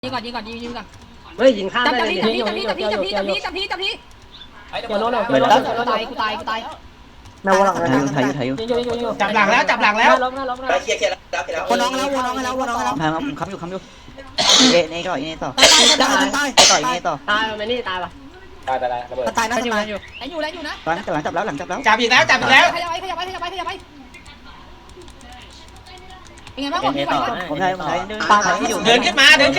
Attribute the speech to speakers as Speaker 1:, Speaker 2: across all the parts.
Speaker 1: ยิงก่อนยิงก่อน
Speaker 2: เฮ้ยยิงข้าม
Speaker 1: จับ
Speaker 2: ได้
Speaker 1: จับ
Speaker 2: เลย
Speaker 1: พี่จับพี่จับพี่จับพี่จับพี่จับพี่
Speaker 2: เดี๋ยวโน่น
Speaker 1: กูตายกูตาย
Speaker 2: แมวหลัง
Speaker 3: ถ่ายอยู่
Speaker 4: จับหลังแล้วจับหลังแล้ว
Speaker 5: เคลียร์แล้ว
Speaker 3: วนน้องแล้วค้ำอยู่เอต่อเอต่อ
Speaker 1: ตาย
Speaker 3: ต่อเอต่อ
Speaker 2: ตายมันนี่ตายปะ
Speaker 5: ตายระเบิด
Speaker 3: ตายนะตาย
Speaker 1: อยู่นะ
Speaker 3: หลังจับแล้ว
Speaker 4: จับอีกแล้วจับอีกแล้ว
Speaker 1: ขยับไปเป็นไงบ้างผม
Speaker 3: ผมใช้เ
Speaker 4: เดิ
Speaker 3: ดิน
Speaker 4: นขึ้นมา
Speaker 1: มันนึง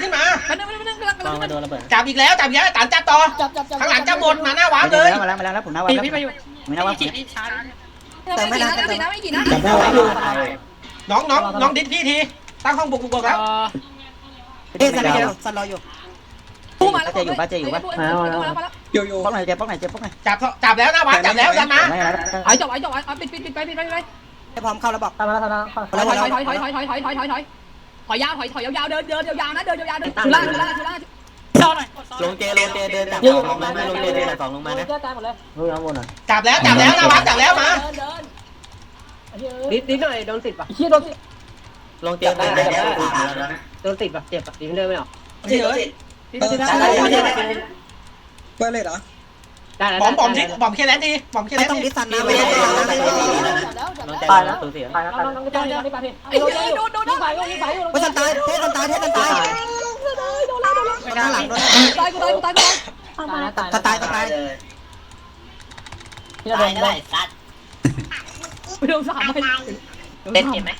Speaker 4: จับอีกแล้วตันจับต่อข้างหลังจะหมดมาหน้าวาร์ปเลย
Speaker 3: มาแล้วผมหน้าวาร์ปแล้วไม่หน้าวาร์ป
Speaker 1: แต่ไม่กี่นะ
Speaker 2: จับแมวไว้อยู่
Speaker 4: น้องดิสพี่ทีตั้งห้องบุกแล้ว
Speaker 3: สันรออยู่
Speaker 1: ตู้มาแล้ว
Speaker 3: ป้าเจอยู่ป้อกไหนเจ็บป้อกไหน
Speaker 4: จับแล้วหน้าวาร์ปจับแล้วดันมา
Speaker 1: ไอ้จบปิดไป
Speaker 3: ให้พร้อมเข้าแล้วบอก
Speaker 2: ตามมาแล้ว
Speaker 1: ถอยยาวเดินยาวนะเดินยาวชุล่า
Speaker 3: ลงเจเดินดักลงมาลงเจเดินดักสองลงมานะ
Speaker 2: ตายหมดเลยรู้ยังหมดอ่ะ
Speaker 4: จับแล้วหน้าวาร์ปจับแล้วมา
Speaker 2: ดิหน่อยโดนติดปะ
Speaker 3: ลงเจเดินดัก
Speaker 2: โดนติดปะเจ็บปะดิมันเดินไม่ออก
Speaker 4: ที่เลย
Speaker 6: เปิดเลยเหรอ
Speaker 2: ได้แล้ว
Speaker 4: บอมเคลียร์แล้วดีบอมเคลียร์
Speaker 3: ไม่
Speaker 4: แล้ว
Speaker 3: ต้อง
Speaker 4: ดี
Speaker 3: ดิสันนะไม่ต้องตายแล้วตัวเสีย
Speaker 2: ตายแล้ว
Speaker 1: ไอ้โดน
Speaker 3: ว่าสันตายเทสันตายข้างหลังโดน
Speaker 1: ตายกู
Speaker 3: ตาย
Speaker 2: ที่เราโดนได้
Speaker 1: ไปโดน3ไป
Speaker 3: เห็นไหม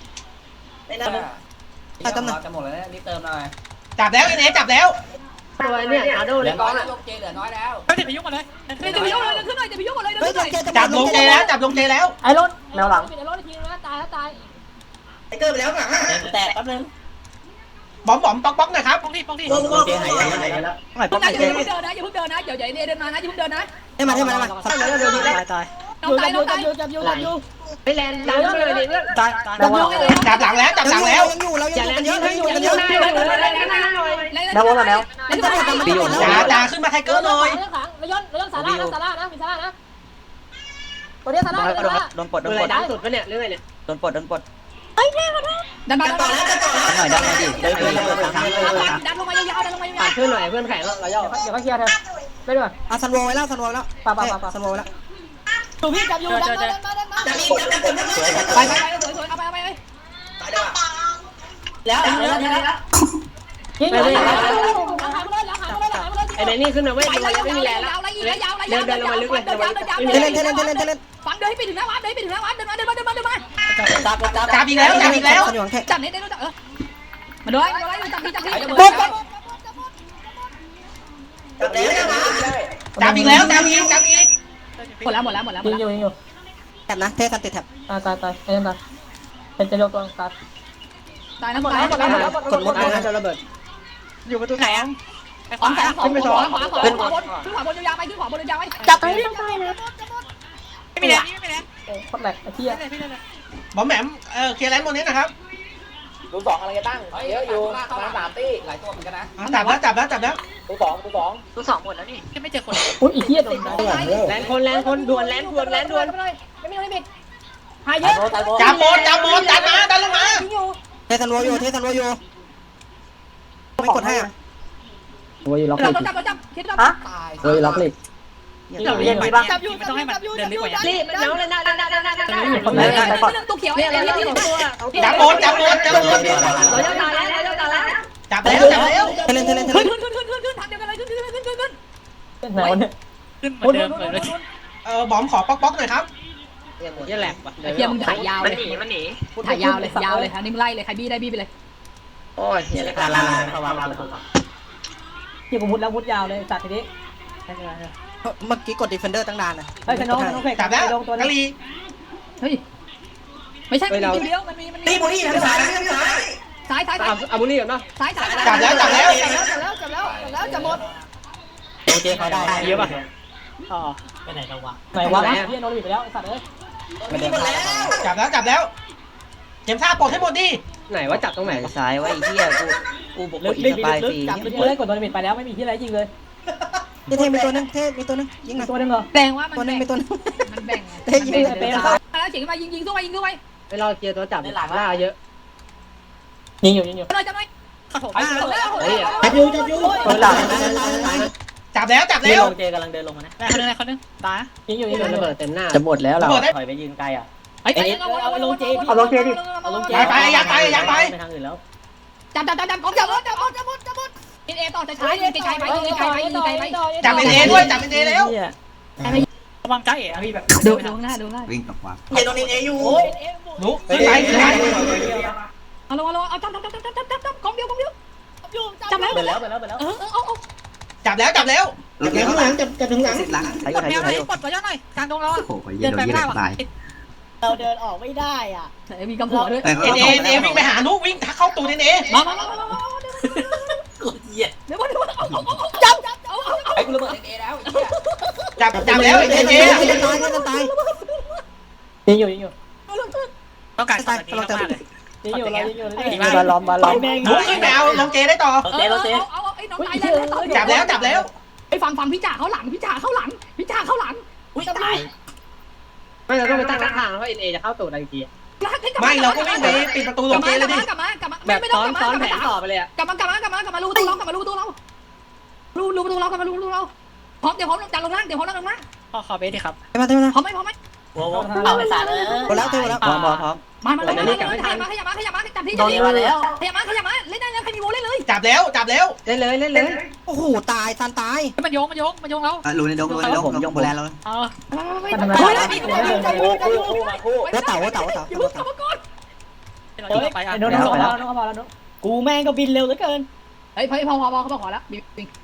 Speaker 5: ตายจะหมดแล้วนี่เติมหน่อย
Speaker 4: จับแล้วไอ้เนจับแล้ว
Speaker 2: ตัวเนี่ยอาโดเลยก้อนอ่ะ
Speaker 5: ลงเจเหลือน้อยแล้ว
Speaker 1: จะไปยุ่งอะไรจะไปยุ่งอะไรขึ้นหน่อยจะไปยุ่งอะไร
Speaker 4: จับลงเจแล้ว
Speaker 2: ไอ้รถแมวหลัง
Speaker 5: ไอ้เกิดไปแล้วอ่ะ
Speaker 3: แตกแป๊บนึง
Speaker 4: บอมป๊อกหน่อยครับ
Speaker 3: ลงเจหายแล้วหน่อย
Speaker 1: ต้
Speaker 3: ป้
Speaker 1: อ
Speaker 3: อง ง
Speaker 1: ไหน
Speaker 3: ไหน
Speaker 1: อย่าเพิ่งเดินนะอย่าเพิ่งเดินนะเดี๋ยวเดินมานะอย่าเพิ่งเดินนะ
Speaker 3: ให้มาตาย
Speaker 1: น้องตาย
Speaker 2: ไปแลนด์ดันเลยดิเพื่อน
Speaker 3: ตาย
Speaker 4: จับหลังแล้ว
Speaker 3: ยังอยู่เรายังอยู่กันเยอะ
Speaker 4: จ่าขึ้นมาไทเกอร์หน่อย
Speaker 3: โดนปลด
Speaker 2: ดูอะไรดันสุดปะเนี่ยเรื่องอะไรเนี่ย
Speaker 3: โดนปลด
Speaker 1: ดันมา
Speaker 3: หน่อยดิ
Speaker 1: ดันลงมายาวๆดันลงมายา
Speaker 2: ผ่าน
Speaker 1: ว
Speaker 2: เพื่อนหน่อยเพื่อนแข่งเราย่อเดี๋ยวเขาเคลียร์เธอไปด้วย
Speaker 3: อ่ะซันโวไว้แล้วซันโวแล้วป่าซันโวแล้ว
Speaker 1: ๆพี่จับอยู่ดันมา
Speaker 5: ไป
Speaker 1: ไปสวยๆเอาไป
Speaker 5: ตายด้วย
Speaker 1: แล้ว
Speaker 2: ยิงไอ้นี่ขึ้นมาเว้ยไม่มีแรงแล้วเดินลงมาลึกเลย
Speaker 1: ฟังเดินให้ไปถึงหน้าวัดเดินมา
Speaker 4: จับอีกแล้ว
Speaker 1: จับเน็ตได้รู้จักมาด้วยจับพี่
Speaker 4: จับอีก
Speaker 1: หมดแล้ว
Speaker 2: ยิงอยู่
Speaker 3: แท็บนะเทสันติดแท็บ
Speaker 2: ตายไอ้นั่นเป็นจะโยกตัวตาย
Speaker 1: ตายนะหมด
Speaker 3: กดมดเลยนะ
Speaker 2: จะระเบิด
Speaker 3: อยู่ประตูไหนอ่ะ
Speaker 1: ขวาบนยาวไปขึ้นขวาบนยาวไป
Speaker 3: จับไป
Speaker 1: ไม่มีแล้ว
Speaker 2: โอ้โคตรแหลกไอ้เหี้ย
Speaker 4: บอมแหมมเคลียร์แลนด์บนนี้นะครับ
Speaker 5: ดูสองอะไรกันตั้งเยอะอยู่มา3ตี้หลายตัวเหมือนกันนะ
Speaker 4: จับแล้ว
Speaker 5: ดูสอง
Speaker 1: หมดแล้วนี่ไม่เจอคน
Speaker 2: อุ้ยอีเหี้ยโดนแลนคนด่วนไม่มีลิมิตหายเยอะ
Speaker 4: จับหมดดันลงมา
Speaker 3: เทสันโวอยู่ไม่กดให้อ่ะ
Speaker 2: โอ้ยล็อก
Speaker 1: เราจับคิดเรา
Speaker 2: โอ้ยล็อกเลย
Speaker 1: จับอยู่ไม่ต้องให้มันเดินลึกกว่านี้
Speaker 2: รีบแล้วเลยนะ
Speaker 1: ตัวเขียวเนี่ยที่ตัว
Speaker 4: จับหมด
Speaker 2: เราจะตายแล้ว
Speaker 4: จับแล้ว
Speaker 3: เทเลน
Speaker 1: ขึ้นทางเดียวกันเลยขึ้น
Speaker 2: ไหนวะเนี่ย
Speaker 1: ขึ้นเหมือนเดิมเลย
Speaker 4: บอมขอป๊อกหน่อยครับ
Speaker 2: เหี้ยแหลกว่ะ
Speaker 1: ไอ้เพียมึงถ่ายยาวเลยถ่ายยาวเลยอันนี้มึงไล่เลยใครบี้ได้บี้ไปเลย
Speaker 2: โอ้ยเหี้ยแหลกลาเข้าวางที่ผมมุดแล้วมุดยาวเลยสัตว์ทีนี้
Speaker 3: เมื่อกี้กดดิเฟนเดอร์ตั้งนานนะ
Speaker 2: เฮ้ยน้องเพก
Speaker 4: จับแล้ว
Speaker 2: ลงตัว
Speaker 4: กะ
Speaker 2: นี้
Speaker 4: ลี
Speaker 1: เฮ้ยไม่ใช่มันมีเดียวมันมี
Speaker 5: ตีบุรีทางซ้าย
Speaker 1: ซ้าย
Speaker 2: อาบุนี่ก่อนเนาะ
Speaker 1: ซ้าย
Speaker 4: จับแล้ว
Speaker 1: จะหมด
Speaker 3: โอเคเขาได้เยอะป่ะ
Speaker 2: อ๋อไปไหนแล้ววะไหนวะเหี้ยโดนบีบไปแล้วไอ้สัตว์เอ้ย
Speaker 4: จับแล้วเข็มท่าปลดให้หมดดิ
Speaker 2: ไหนว่าจับตรงไหน
Speaker 3: ซ้ายไว้ไอ้เหี้ยกูบุกอีกสปายฟรี
Speaker 2: จับเล่นกดโดนบีบไปแล้วไม่มีที่ไรยิงเลย
Speaker 3: เทมีตัวนึงยิงมา
Speaker 2: ตัวนึงเหรอ
Speaker 1: แบ่งว่ามัน
Speaker 3: ตัวนึงมีตัวนึง
Speaker 1: มันแบ่ง
Speaker 3: เทยิง
Speaker 1: แล้วเฉียงมายิงสู้ไป
Speaker 2: ไปรอเคลียร์ตัวจับหลังล่าเยอะ
Speaker 1: ยิงอยู่
Speaker 2: จ
Speaker 1: ขัดผมมาแล้ว
Speaker 2: จับอยู่
Speaker 3: หลัง
Speaker 4: จับแล้ว
Speaker 3: นี่ลงเจกำลังเดินลงมานะ
Speaker 1: คนนึงคนนึงตาย
Speaker 2: ยิงอยู่ระเบิดเต็มหน้า
Speaker 3: จะหมดแล้วเราถอยไปยืนไกลอ่ะ
Speaker 1: ไอ้เอาลงเจดิ
Speaker 4: ไปยักไป
Speaker 3: ไปทางอื่นแล้ว
Speaker 1: จับเอต่อจะใช้ไปใช้ไป
Speaker 4: จับเป็นเอด้วยจับเป็นเอแล้ว
Speaker 1: ระวังใจอ่ะพี่แบบดูหน้า
Speaker 6: วิ่งตกวาง
Speaker 5: เฮ้ยตรงนี้เออยู่
Speaker 4: ลุกขึ้นไป
Speaker 1: เอาลงเอาจับกองเดียวจับแล้ว
Speaker 3: ไปแล้ว
Speaker 1: เอา
Speaker 4: จับแล้ว
Speaker 2: ข้างหลังจับถึงหลัง
Speaker 6: สิหลัง
Speaker 3: ถ่าย
Speaker 1: กดแนวไหนกดกระยอนหน่อยกลางดงเรา
Speaker 6: โอ้โหเย็นโดนเย็นตาย
Speaker 2: เราเดินออกไม่ได้อ่ะ
Speaker 1: มีกำหัวด้วย
Speaker 4: เอวิ่งไปหาลุกวิ่งเข้าตูนเอ
Speaker 1: มาเดี๋ยวจับเอา
Speaker 5: ไอ้กูระเบิดเอแล้ว
Speaker 4: จับแล้วเอ
Speaker 2: ตาย
Speaker 3: ยิงอยู่
Speaker 1: ต้องการสักทีมากเลย
Speaker 3: ยิงอยู่
Speaker 1: บาล้อม
Speaker 4: ลุกขึ้นไปเอาลงเจได้ต่อ
Speaker 1: เอาไอ้น้องนายเลย
Speaker 4: จับแล้ว
Speaker 1: ไอ้ฝั่งพี่จ่าเข้าหลังอุ้ยตาย
Speaker 2: ไม่เราต้องไปตั้งทางเพราะเอจะเข้าตูดอะไรที
Speaker 4: ไม่เราก็วิ่งไปปิดประตูลงเจเลยดิ
Speaker 1: กลับมา
Speaker 2: แบบ
Speaker 1: ไม่
Speaker 2: ซ้
Speaker 1: ต้
Speaker 2: อ
Speaker 1: อง
Speaker 2: นซ้อนแผนต่อไปเลยอ่ะ
Speaker 1: กลับมารูประตูเรารูประตูเราพร้อมเดี๋ยวพร้อมจัดลงล่างขอเบสดิครับพร้อมไหม
Speaker 5: เอาไปสาดเลย
Speaker 3: พร้อม
Speaker 1: มาขยับมาจับที่ขยับมาเล่นได้แล้วใครมีโวเล่นเลย
Speaker 4: จับแล้ว
Speaker 2: เล่นเลย
Speaker 3: โอ้โหตายตันตาย
Speaker 1: มันโยงเรา
Speaker 6: รูในดงผมยกโบแลนแล้ว
Speaker 1: ไม่ได้ดิ
Speaker 5: คู่
Speaker 3: ว่าเต่า
Speaker 1: อย่าเพิ่งกลับมาก่อน
Speaker 2: โดนเข้ามาแล้วกูแม่งก็บินเร็วเหลือเกิน
Speaker 1: เฮ้ยพอเขาบอกขอแล้ว